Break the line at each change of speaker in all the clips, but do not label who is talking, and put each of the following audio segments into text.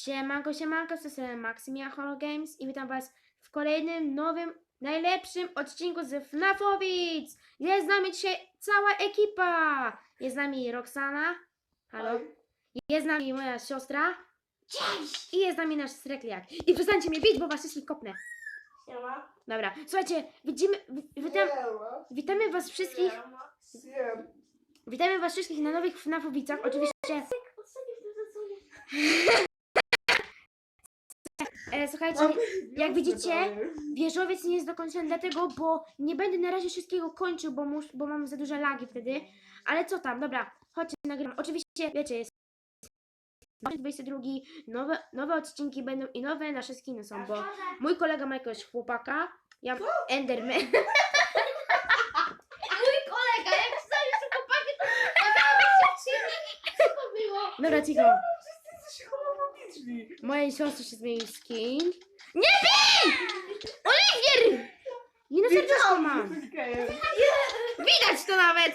Siemanko, to jest Maximia Holo Games i witam was w kolejnym, nowym, najlepszym odcinku z FNAFowic! Jest z nami dzisiaj cała ekipa! Jest z nami Roxana, halo, jest z nami moja siostra,
Cześć!
i jest z nami nasz Srekliak. I przestańcie mnie bić, bo was wszystkich kopnę.
Siema.
Dobra, słuchajcie, witamy was wszystkich, witamy was wszystkich na nowych FNAFowicach, oczywiście... Słuchajcie, jak widzicie, wieżowiec nie jest dokończony dlatego, bo nie będę na razie wszystkiego kończył, bo mam za duże lagi wtedy. Ale co tam, dobra, chodźcie, nagrywam. Oczywiście, wiecie, jest 22, nowe odcinki będą i nowe nasze skiny są, bo mój kolega ma jakiegoś chłopaka, ja mam Enderman.
Mój kolega, jak wstawisz te chłopaki, to co to było?
Dobra, cicho. Mojej siostry się zmienił skin. Nie bij! Oliwier! Nie na serduszko mam. Widać to nawet.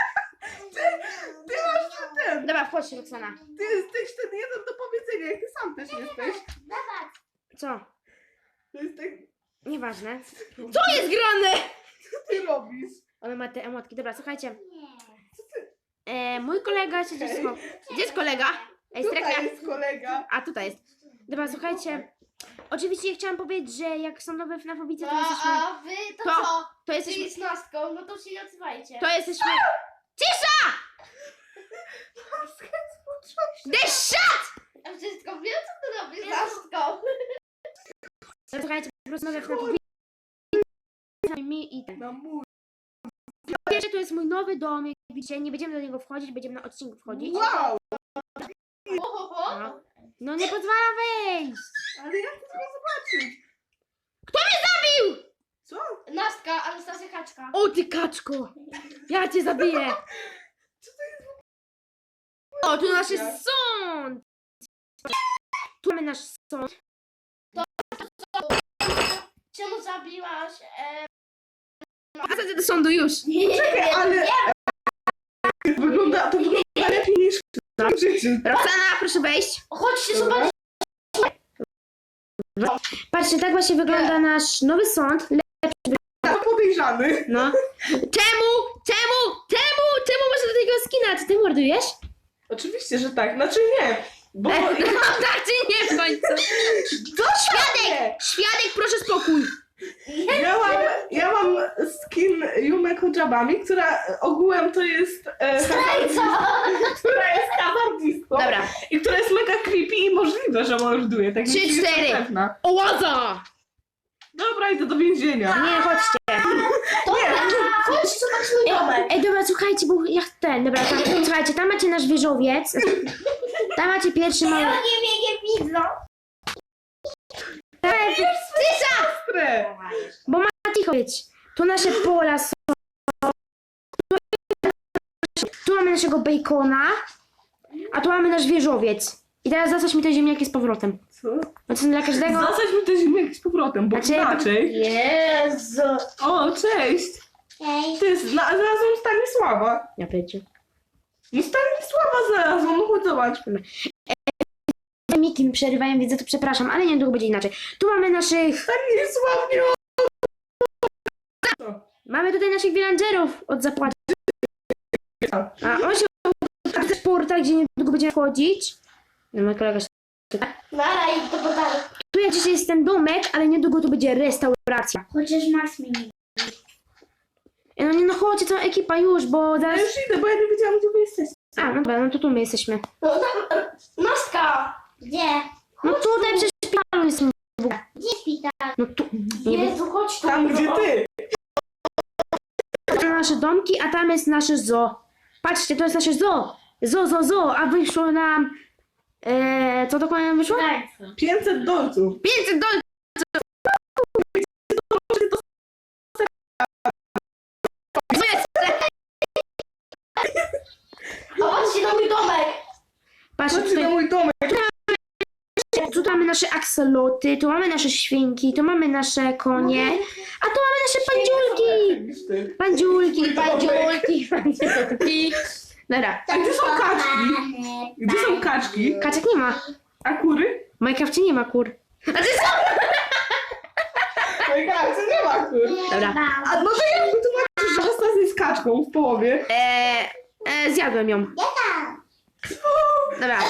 Ty masz ten!
Dobra, wchodź, Roxana.
Ty jesteś ten jeden do powiedzenia, jak ty sam też jesteś.
Co?
To jest tak...
Nieważne. Co jest grane?
Co ty robisz?
Ona ma te emotki. Dobra, słuchajcie.
Co ty...
Mój kolega się gdzieś schował. Gdzie jest kolega? Ej,
Tutaj
Streklia.
jest kolega.
A, tutaj jest. Dobra, słuchajcie. Oczywiście chciałam powiedzieć, że jak są nowe FNAFowice, to jesteśmy...
A wy to,
To-
co?
To
Ty
jesteśmy...
z Nastką, no to się nie odzywajcie.
To jesteśmy... Cisza! The shut!
A wszystko wiem, co ty robisz z Nastką.
Dobra, słuchajcie, po prostu nowe FNAFowice. Mi i ten.
Na mój.
Pierwsze to jest mój nowy dom, jak widzicie, nie będziemy do niego wchodzić, będziemy na odcinku wchodzić.
Wow!
No, no nie pozwala wejść!
Ale jak to trzeba zobaczyć?
Kto mnie zabił?
Co?
Nastka, Anastazja Kaczka.
O ty kaczko! Ja cię zabiję!
Co to jest?
O, tu nasz jest sąd! Tu mamy nasz sąd.
Czemu zabiłaś?
Wracajcie do sądu już!
Czekaj, ale... To wygląda lepiej niż w życiu.
Roxana, proszę wejść.
Chodźcie zobaczyć.
Patrzcie, tak właśnie wygląda nasz nowy sąd.
Tak podejrzany.
No. Czemu masz do tego skina? Czy ty mordujesz?
Oczywiście, że tak. Znaczy nie. Bo...
No tak czy nie w końcu? Świadek, proszę spokój.
Ja mam skin Yume Kojabami, która ogółem to jest która jest hazardistką.
Dobra.
I która jest mega creepy i możliwe, że morduje. Tak
3,
więc jestem
4.
pewna.
Ołaza!
Dobra, idę do więzienia.
Nie, chodźcie.
Chodź zobacz mój domek.
Ej, dobra, słuchajcie, bo ja dobra, słuchajcie, tam macie nasz wieżowiec. Tam macie pierwszy mały...
Nie widzę.
Cisza!
Ostre.
Bo ma cicho być. Tu nasze pola są. Tu mamy naszego bacona. A tu mamy nasz wieżowiec. I teraz zasadź mi te ziemniaki z powrotem.
Co?
No to dla każdego...
Zasadź mi te ziemniaki z powrotem, bo
Znaczy-
inaczej...
Jezu.
O, cześć!
Ej.
Ty, znalazłam Stanisława.
Ja pięciu.
No Stanisława znalazłam, no chodź zobacz.
Miki mi przerywają, więc za to przepraszam, ale niedługo będzie inaczej. Tu mamy naszych...
Stanisław, nie
Mamy tutaj naszych villagerów od zapłaty. A on się... w portal, gdzie niedługo będziemy wchodzić. No, mój kolega się...
Nara, idź do portalu.
Tu jak dzisiaj jest ten domek, ale niedługo tu będzie restauracja.
Chociaż Max mi nie.
No nie, no chodźcie, cała ekipa już, bo
Ja
zaraz...
już idę, bo ja nie wiedziałam, gdzie wy jesteście.
A, no dobra, no to tu my jesteśmy.
No tam, Nastka. Gdzie?
No tutaj przecież w szpitalu jest...
Gdzie szpital?
No tu... Nie wiem,
Jezu, chodź tu.
Tam, gdzie ty.
to nasze domki, a tam jest nasze zoo. Patrzcie, to jest nasze zoo. Zoo, a wyszło nam... co dokładnie nam wyszło?
500 dolców.
500 dolców!
Chodźcie na mój domek.
Patrzcie,
Chodźcie na
tutaj,
mój domek.
tu mamy nasze akseloty, tu mamy nasze świnki, tu mamy nasze konie, a tu mamy nasze pandziulki. Pandziulki. Dobra,
A gdzie są kaczki? Gdzie są kaczki?
kaczek nie ma.
A kury?
W Minecrafcie nie ma kur.
Minecrafcie nie ma kur.
Dobra.
A no to jak wytłumaczysz, że rosła z kaczką w połowie?
Zjadłem ją. Dobra.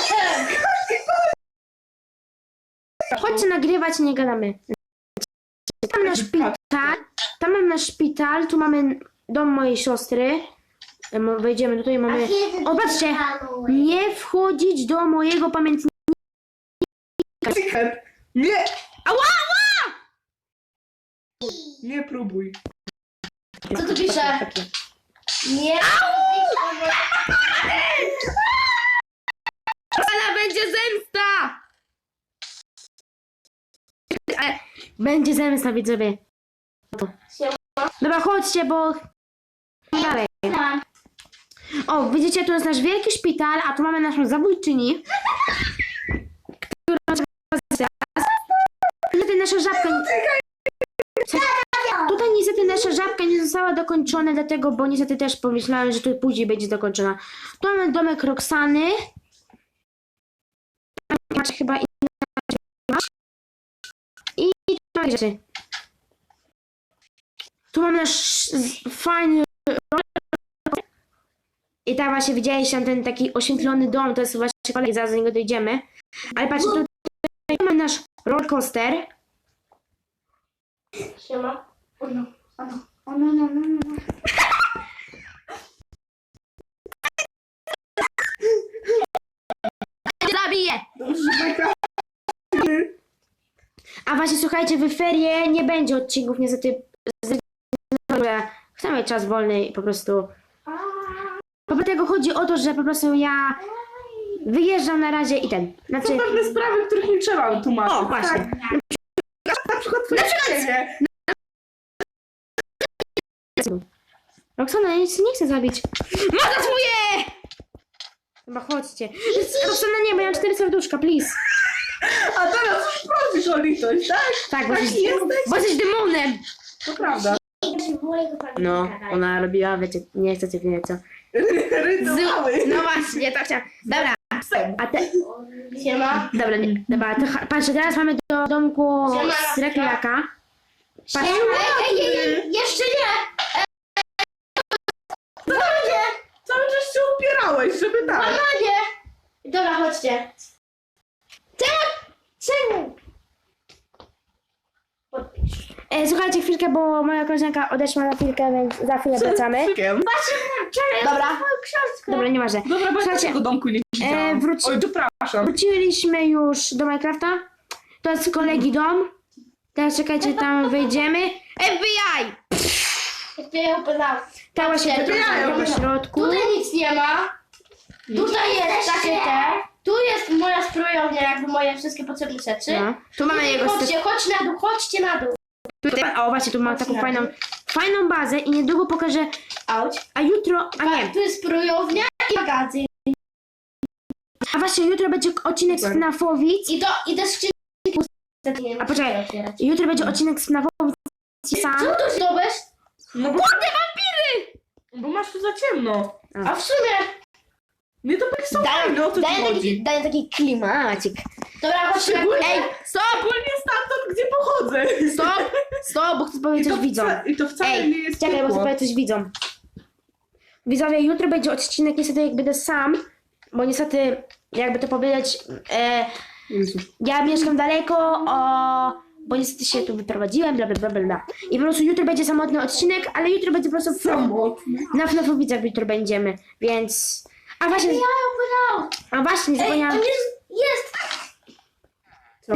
Chodźcie nagrywać, nie gadamy. Tam nasz szpital, tam mam nasz szpital, tu mamy dom mojej siostry. Wejdziemy tutaj, mamy... O, patrzcie! Nie wchodzić do mojego pamiętnika.
Secret. Nie!
Ała!
Nie próbuj.
Co tu pisze? Nie.
Ale będzie zemsta! Będzie zemsta, widzowie. Dobra, chodźcie, bo... Dalej. O, widzicie, tu jest nasz wielki szpital, a tu mamy naszą zabójczyni, która niestety nasza żabka... Tutaj niestety nasza żabka nie została dokończona, dlatego, bo niestety też pomyślałem, że tu później będzie dokończona. Tu mamy domek Roxany. Macie chyba i takie rzeczy. Tu mamy nasz fajny i tam właśnie widzieliście ten taki oświetlony dom, to jest właśnie kolej, zaraz do niego dojdziemy. Ale patrzcie, tutaj mamy nasz roller coaster.
Siema. No.
Zabiję!
Minecraft.
A właśnie słuchajcie, w ferie nie będzie odcinków niestety. Chcę mieć czas wolny i po prostu. Dlatego chodzi o to, że po prostu ja wyjeżdżam na razie i ten. Znaczy,
Są pewne sprawy, których nie trzeba tłumaczyć.
o, właśnie.
Tak? Na przykład twoje cienie.
Roxana, ja nic nie chcę zabić. Mata twoje! Chyba chodźcie. Roxana, nie, bo ja mam 4 serduszka, please.
A teraz już prosisz o litość, tak?
Tak, bo
Tak
jesteś,
jesteś.
bo jesteś demonem.
To prawda.
No, ona robiła, wiecie, nie chcecie wiedzieć co.
Rytuały.
No właśnie, to chciałam. Dobra, a te...
Siema.
Dobra, nie, dobra, to patrzcie, teraz mamy do domku z Reklaka. Patrzcie.
Ej, jeszcze nie.
Cały czas się upierałeś, żeby tak.
Normalnie. Dobra, chodźcie. Czemu? Podpisz.
Słuchajcie chwilkę, bo moja koleżanka odeszła na chwilkę, więc za chwilę wracamy. Dobra. Dobra, nieważne.
Dobra, bo ja
Słuchajcie,
tego domku nie widziałam.
wróci-
Oj, przepraszam.
Wróciliśmy już do Minecrafta. To jest kolegi dom. Teraz czekajcie, tam wejdziemy. FBI!
FBI open house.
Tam właśnie
FBI
po środku.
Tutaj nic nie ma. Tutaj jest takie te. Tu jest moja zbrojownia, jakby moje wszystkie potrzebne rzeczy.
No. Tu mamy jego
Chodźcie na dół.
Tutaj, o właśnie, tu mam taką fajną bazę i niedługo pokażę.
Auć.
A jutro, a nie,
Tu jest zbrojownia i magazyn.
a właśnie jutro będzie odcinek z
Super.
FNAFowic.
I te skrzynki puste. Nie
A poczekaj.
otwierać.
Jutro będzie odcinek z FNAFowic sam.
Co tu zdobysz?
No bo...
Kurde, wampiry!
Bo masz tu za ciemno.
A w sumie.
Nie, to pewnie są fajne, o co ci chodzi.
Daję taki klimacik.
Dobra, chodźcie na
Szczególnie-
górę.
Ej, stop!
Ogólnie stamtąd, gdzie pochodzę.
Stop, bo chcę powiedzieć coś widzom.
I to wcale
Ej,
nie jest
czekaj, bo chcę
ciepło.
powiedzieć coś widzom. Widzowie, jutro będzie odcinek, niestety jak będę sam, bo niestety, jakby to powiedzieć,
Jezu.
ja mieszkam daleko, bo niestety się tu wyprowadziłem, bla bla bla bla bla. I po prostu jutro będzie samotny odcinek, ale jutro będzie po prostu
Samotny.
na FNAFowicach jutro będziemy, więc... A właśnie,
Ja open house.
nie
Ej,
zapomniałam.
on jest.
Co?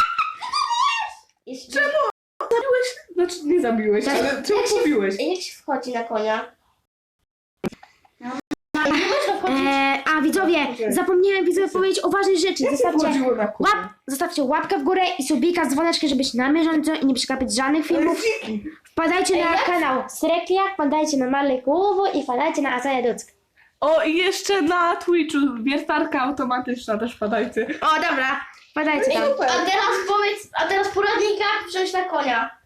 Jest.
Czemu? Zabiłeś? Znaczy nie zabiłeś,
Tak.
ale czemu pobiłeś?
Jak się wchodzi na konia? Nie można wchodzić.
A widzowie, zapomniałem widzowie powiedzieć o ważnej rzeczy.
Jak się wchodziło na kuchnię?
Zostawcie łapkę w górę i subika z dzwoneczkiem, żebyś na bieżąco i nie przegapić żadnych filmów. Wpadajcie na kanał Srekliak, wpadajcie na Marley Kołowo i wpadajcie na Asania Duck.
O, i jeszcze na Twitchu wiertarka automatyczna też padajcie.
O, dobra, wpadajcie tam.
Super.
A teraz poradnik jak wziąć na konia.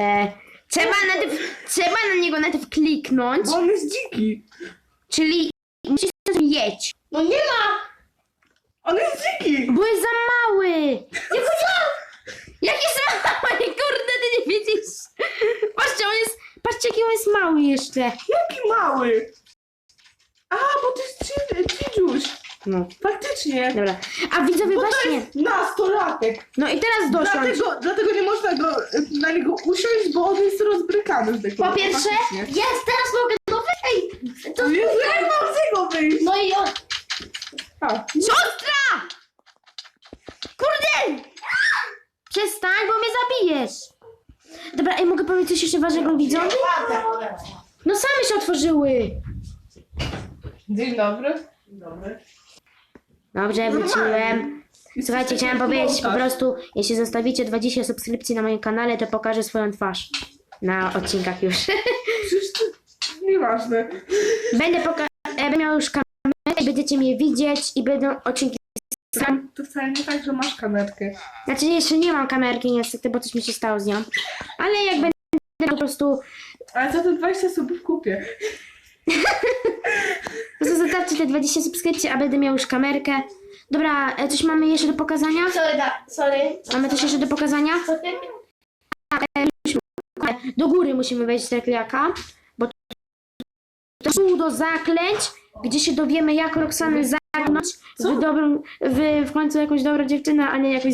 Trzeba na niego najpierw kliknąć,
Bo on jest dziki.
czyli musisz coś jeść,
No nie ma.
On jest dziki.
bo jest za mały. Jaki jest mały? Kurde, ty nie widzisz. Patrzcie, on jest... Patrzcie, jaki on jest mały jeszcze.
Jaki mały! A, bo to jest Dzidziuś.
No,
Faktycznie.
dobra. A widzowie,
Bo to
właśnie...
jest nastolatek.
No i teraz dosiądź.
Dlatego nie można na niego usiąść, bo on jest rozbrykany. z tego.
Po pierwsze,
Faktycznie.
jest, teraz mogę go wyjść.
To jest, jak mam z niego wyjść?
No i on...
A,
Siostra! Kurde! Przestań, bo mnie zabijesz. Dobra, ej, mogę powiedzieć coś jeszcze ważnego widzom? No same się otworzyły.
dzień dobry. Dzień dobry.
Dobrze, wróciłem. Słuchajcie, chciałam powiedzieć po prostu, jeśli zostawicie 20 subskrypcji na moim kanale, to pokażę swoją twarz. Na odcinkach już.
Przecież to nieważne.
Będę miał już kamerę i będziecie mnie widzieć i będą odcinki.
To wcale nie tak, że masz kamerkę.
Znaczy jeszcze nie mam kamerki niestety, bo coś mi się stało z nią. Ale jak będę po prostu...
Ale za te 20 subów kupię.
Po prostu zostawcie te 20 subskrypcji, a będę miał już kamerkę. Dobra, coś mamy jeszcze do pokazania?
Sorry.
Mamy coś jeszcze do pokazania? Do góry musimy wejść z kliaka, bo to są do zaklęć, gdzie się dowiemy, jak Roxanę zagnąć w końcu jakąś dobrą dziewczynę, a nie jakąś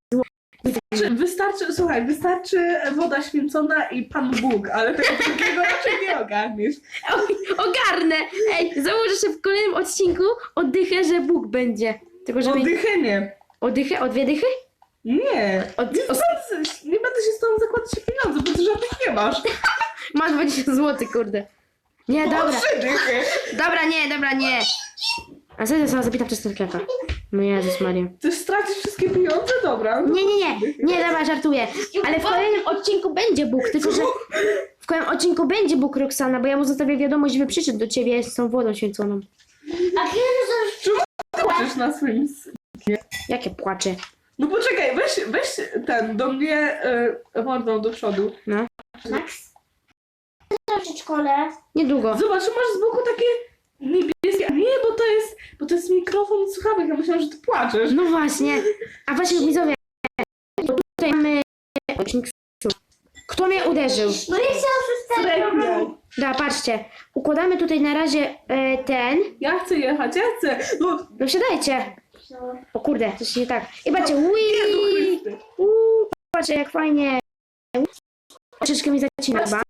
Wystarczy woda święcona i Pan Bóg, ale tego drugiego raczej nie ogarniesz.
Ogarnę! Ej, założę się w kolejnym odcinku oddychę, że Bóg będzie. Tylko żeby...
Oddychenie.
Oddychę? O 2 dychy?
Nie. Nie będę się z tobą zakładać pieniądze, bo ty żadnych nie masz.
Masz 20 zł, kurde. Nie, dobra.
3 dychy.
Dobra, nie. A co ja sama zapytam przez ten klaka? No Jezus Maria.
Chcesz stracić wszystkie pieniądze? Dobra. No.
Nie, dobra, żartuję. Ale w kolejnym odcinku będzie Bóg, tylko że w kolejnym odcinku będzie Bóg Roxana, bo ja mu zostawię wiadomość, żeby przyszedł do ciebie z tą wodą święconą.
A kiedy
Płaczesz na swoim...
Jakie płacze?
No poczekaj, weź ten do mnie mordą do przodu.
No.
Max? Co w przedszkole?
Niedługo.
Zobacz, masz z boku takie niebieskie. A nie, bo to jest mikrofon słuchawek. Ja myślałam, że ty płaczesz.
No właśnie. A właśnie widzowie, bo tutaj mamy odcinek. Kto mnie uderzył?
No ja chciałam
Srebrno.
Dobra, patrzcie. Układamy tutaj na razie ten.
Ja chcę jechać, ja chcę. No,
No wsiadajcie. O kurde, coś nie tak. I patrzcie,
Jezu
ui!
Chryste.
Patrzcie jak fajnie. Troszeczkę mi zacina chyba.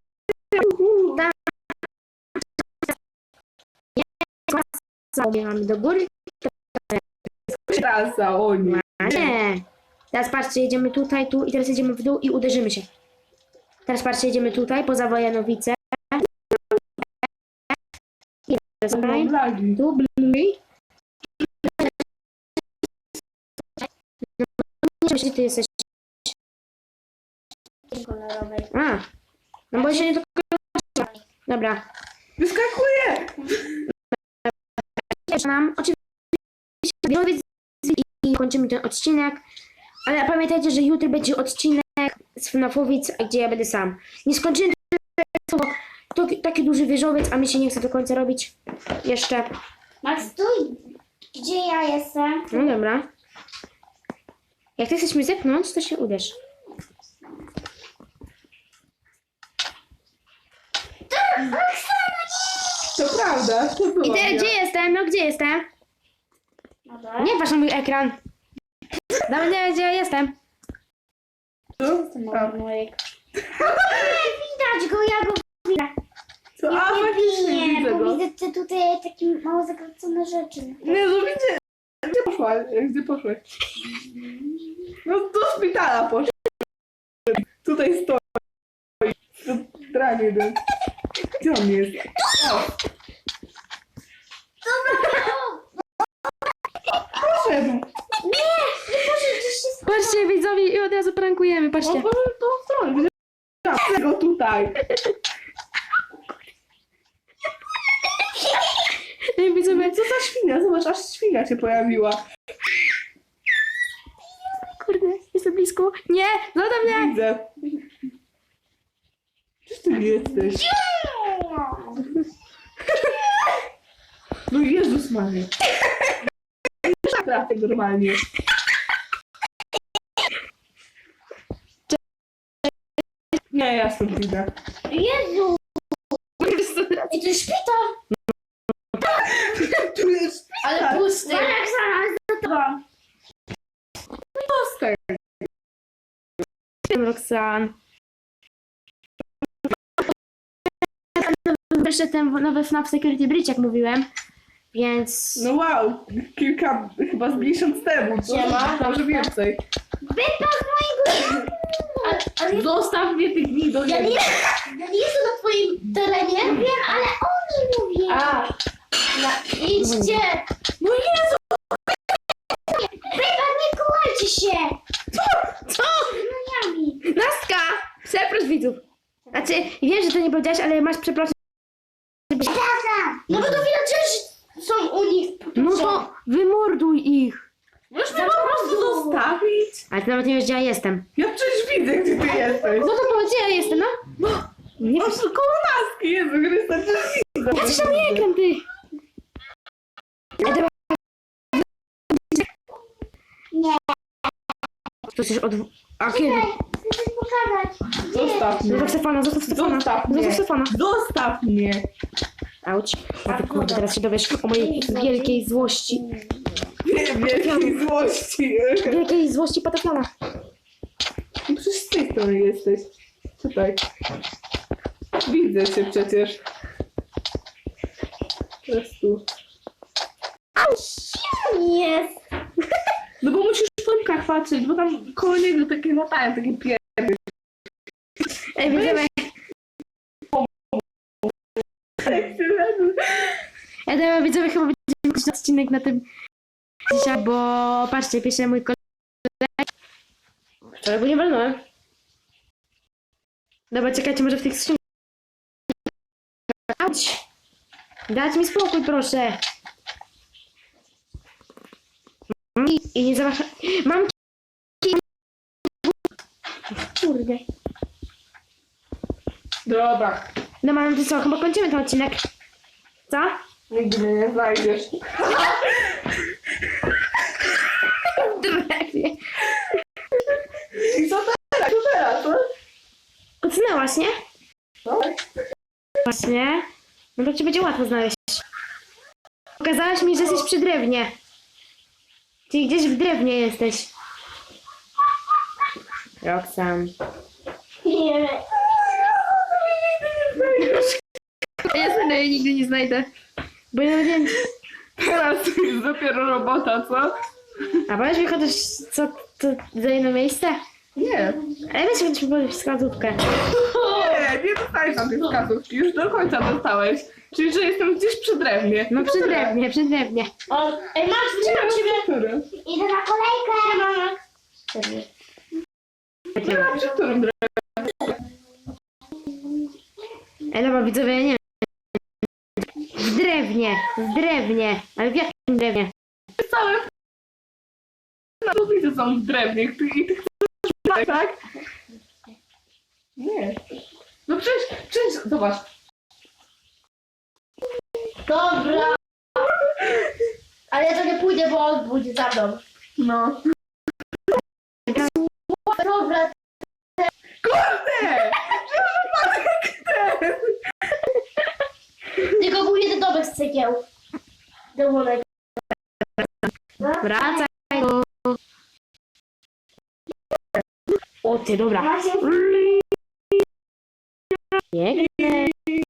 Mamy do góry.
Trasa, o nie.
A nie. Teraz patrzcie, jedziemy tutaj, tu i teraz jedziemy w dół i uderzymy się. Teraz patrzcie, jedziemy tutaj, poza Wojanowice. I teraz tutaj,
Mam lagi.
tu, bliżej. Gdzie ty jesteś?
kolorowej.
A, no bo jeszcze nie dokończyłam. Dobra.
Wyskakuję!
Nam oczywiście i kończymy ten odcinek. Ale pamiętajcie, że jutro będzie odcinek z FNAFowic, gdzie ja będę sam. Nie skończyłem tego, to taki duży wieżowiec, a mi się nie chce do końca robić jeszcze.
Max, stój! Gdzie ja jestem?
No dobra. Jak ty chcesz mnie zepchnąć, to się uderz.
To prawda, to była
I teraz
ja.
gdzie jestem? No gdzie jestem?
Dobra.
Nie patrz na mój ekran. Dobra, nie, gdzie ja jestem?
Mojek. Widać go, ja go widzę.
Co? A, faktycznie
Nie,
widzę
bo
go.
widzę te tutaj takie mało zakręcone rzeczy.
Nie, no widzę. Gdzie poszłaś? Gdzie poszłaś? No do szpitala poszłaś. Tutaj stoi. Dranie, no. Gdzie on jest? O. Poszedł.
Patrzcie widzowie i od razu prankujemy,
No
patrzcie.
poszedł w tą stronę. Gdzie go tutaj?
Ej, widzowie,
Co za świnia? Zobacz, aż świnia się pojawiła.
kurde, jestem blisko. Nie, zostaw mnie!
Widzę. Gdzież ty jesteś? No Jezus Maria. Naprawdę normalnie. Nie, ja stąd idę.
Jezu! I to jest szpital!
Tu jest
Ale pusty.
Jak zaraz za tobą.
postek.
Roxanne. Jeszcze ten nowy FNAF Security Breach, jak mówiłem. Więc...
No wow, chyba z miesiąc temu, co?
Siema.
Może więcej.
Wypadł z mojego...
Ale
Zostaw mnie tych dni do
ja
niego.
nie jestem na twoim terenie.
Wiem, ale o nim mówię.
A, idźcie!
No Jezu!
Wypadł, nie kołajcie się.
Co?
Nogami.
Nastka!
Przeproś widzów. Znaczy, wiem, że to nie powiedziałeś, ale masz przeprosić.
No bo to villagerzy są u nich.
No to wymorduj ich.
Możesz mnie po prostu zostawić?
Ale ty nawet nie wiesz, gdzie ja jestem.
Ja przecież widzę, gdzie ty jesteś.
No to powiedz, gdzie ja jestem, no. Nie
Masz tu koło Naski, Jezu Chryste, przecież widzę.
Ja coś tam nie gram, ty. Ej, dobra.
Nie.
To coś od... A kiedy?
Chcę coś pokazać.
Zostaw mnie.
Zostaw Stefana, zostaw Stefana.
Zostaw mnie.
Zostaw Stefana.
Zostaw mnie.
Auć. A ty kurde, teraz się dowiesz o mojej wielkiej złości.
Wielkiej złości.
Wielkiej złości Patafiana.
No przecież z tej strony jesteś. Tutaj. Widzę cię przecież. Teraz tu.
Jest.
No bo musisz w płytkach patrzeć, bo tam koło niego takie latają, takie pierdy.
Ej, widzimy. Ej, dobra, widzowie, chyba będziemy kończyć odcinek na tym dzisiaj, bo patrzcie, pisze mój kolega. Wczoraj go nie walnąłem. Dobra, czekajcie, może w tych skrzynkach. Auć! Dać mi spokój, proszę. I nie zawahaj. Mam kurde.
Dobra.
No mam to co, chyba kończymy ten odcinek. Co?
Nigdy mnie nie znajdziesz.
Drewnie.
I co teraz? Co teraz? Co?
Ucnęłaś, nie?
No.
Właśnie. No to ci będzie łatwo znaleźć. Pokazałaś mi, że jesteś przy drewnie. Czyli gdzieś w drewnie jesteś. Roxanne.
Nie.
Ja sobie nigdy nie znajdę. Bo ja wiem.
Teraz to jest dopiero robota, co?
A powiesz mi chociaż co to za jedno miejsce?
Nie.
Ale weź chociaż mi wskazówkę.
Nie dostałeś tam tej wskazówki. Już do końca dostałeś. Czyli, że jestem gdzieś przy drewnie.
No przy drewnie, przy drewnie.
O, ej, Max, trzymam ciebie.
Którym?
Idę na kolejkę. Mama.
Przy którym drewnie?
Ej, dobra, widzowie, ja nie wiem. W drewnie, w drewnie. Ale w jakim drewnie?
Całe na różnicy są w drewnie. I ty chcesz tak? Nie. No przecież, zobacz.
Dobra. Ale ja to nie pójdę, bo on pójdzie za mną.
No.
Dobra.
Kurde!
Tylko był jeden domek z cegieł. Dołonek.
Wracaj do... O ty, dobra. Piękne.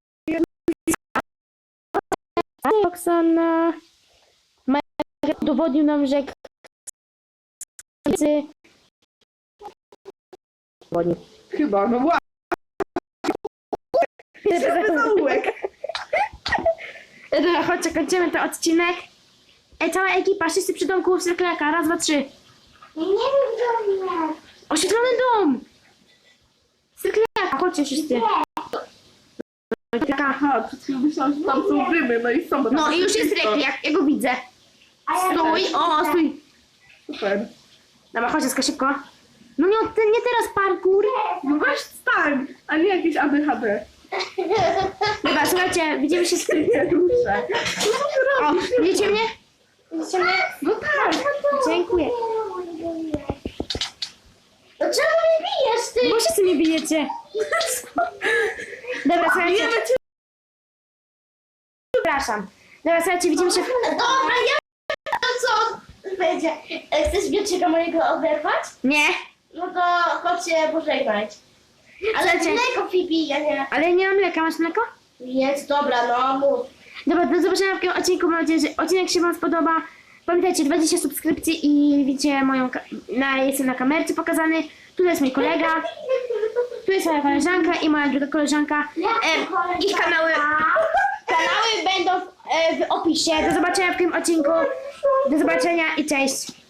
Roxana. Udowodnił nam, że udowodnił.
Chyba, no właśnie. Zaułek.
Dobra, chodźcie, kończymy ten odcinek. Cała ekipa, wszyscy przy domku Cirkleka. Raz, dwa, trzy.
Nie wiem, gdzie on jest.
Oświetlony dom! Cirkleka, chodźcie wszyscy.
Aha, przed chwilą myślałam, że tam są ryby, no i są.
No i już jest Rek, ja go widzę. Stój, o, stój.
Super.
Dobra, chodź, Zyska, szybko. No nie, nie teraz parkour.
No weź stań, a nie jakieś ADHD.
Dobra, słuchajcie, widzimy się z...
Nie ruszaj.
O, widzicie mnie?
Widzicie mnie?
No tak.
Dziękuję.
No czemu mnie bijesz, ty?
Bo wszyscy mnie bijecie. słuchajcie,
Bijemy cię.
przepraszam. Dobra, słuchajcie, widzimy się w...
Dobra, ja to co będzie. Chcesz mieczyka mojego oberwać?
Nie,
No to chodź się pożegnać. Ale
Słuchajcie.
mleko Fibi, ja nie.
ale nie mam mleka, masz mleko?
Jest, dobra, no mów.
Dobra, do zobaczenia w tym odcinku. Mam nadzieję, że odcinek się wam spodoba. Pamiętajcie, 20 subskrypcji i widzicie moją... jestem na kamerce pokazany. Tu jest mój kolega. Tu jest moja koleżanka i moja druga koleżanka. Ich kanały będą w opisie. Do zobaczenia w tym odcinku. Do zobaczenia i cześć.